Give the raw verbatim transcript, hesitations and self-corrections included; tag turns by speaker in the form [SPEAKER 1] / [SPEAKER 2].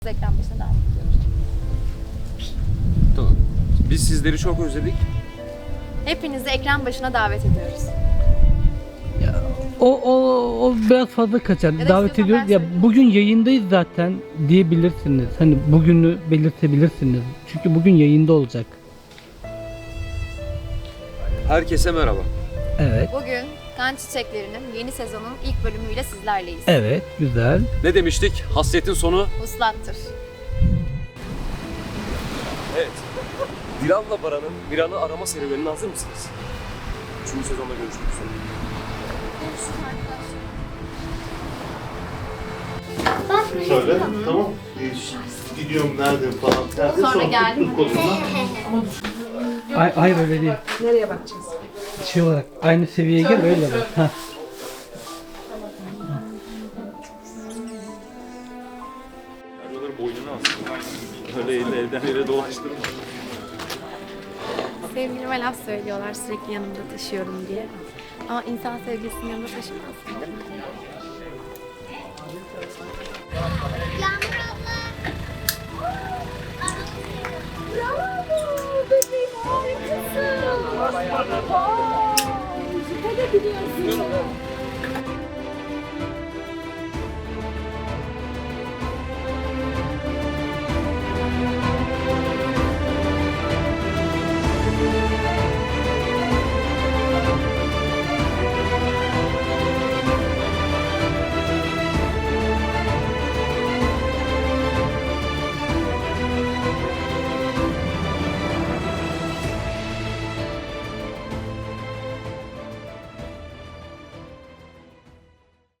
[SPEAKER 1] Ekran başına devam ediyoruz.
[SPEAKER 2] Tamam. Biz sizleri çok özledik.
[SPEAKER 1] Hepinizi ekran başına davet ediyoruz.
[SPEAKER 3] Ya, o, o, o biraz fazla kaçar.
[SPEAKER 1] Ya da
[SPEAKER 3] Davet
[SPEAKER 1] istiyorsan
[SPEAKER 3] ediyoruz
[SPEAKER 1] ben
[SPEAKER 3] ya,
[SPEAKER 1] söyleyeyim.
[SPEAKER 3] bugün yayındayız zaten diyebilirsiniz. Hani bugünü belirtebilirsiniz. Çünkü bugün yayında olacak.
[SPEAKER 2] Herkese merhaba.
[SPEAKER 3] Evet.
[SPEAKER 1] Bugün Kan Çiçekleri'nin yeni sezonun ilk bölümüyle sizlerleyiz.
[SPEAKER 3] Evet, güzel.
[SPEAKER 2] Ne demiştik? Hasretin sonu.
[SPEAKER 1] Vuslattır.
[SPEAKER 2] Evet. Dilan'la Baran'ın Miran'ı arama serüvenine hazır mısınız? Üçüncü sezonda görüşmek üzere.
[SPEAKER 4] Şöyle, tamam. Ee, gidiyorum nerede falan. Derdi,
[SPEAKER 1] Sonra geldim.
[SPEAKER 3] Ay, hayır öyle değil.
[SPEAKER 5] Nereye bakacağız?
[SPEAKER 3] Şey olarak aynı seviyeye gel öyle bak. Heh.
[SPEAKER 2] Onların boynunu alsın. Öyle elle elden ele dolaştırma.
[SPEAKER 1] Sevgilime laf söylüyorlar sürekli yanımda taşıyorum diye. Ama insan sevgilisinin yanında taşımazsın değil mi?
[SPEAKER 6] Yağmur abla. Bravo bebeğim harikasın. Vay, süper biliyorsun.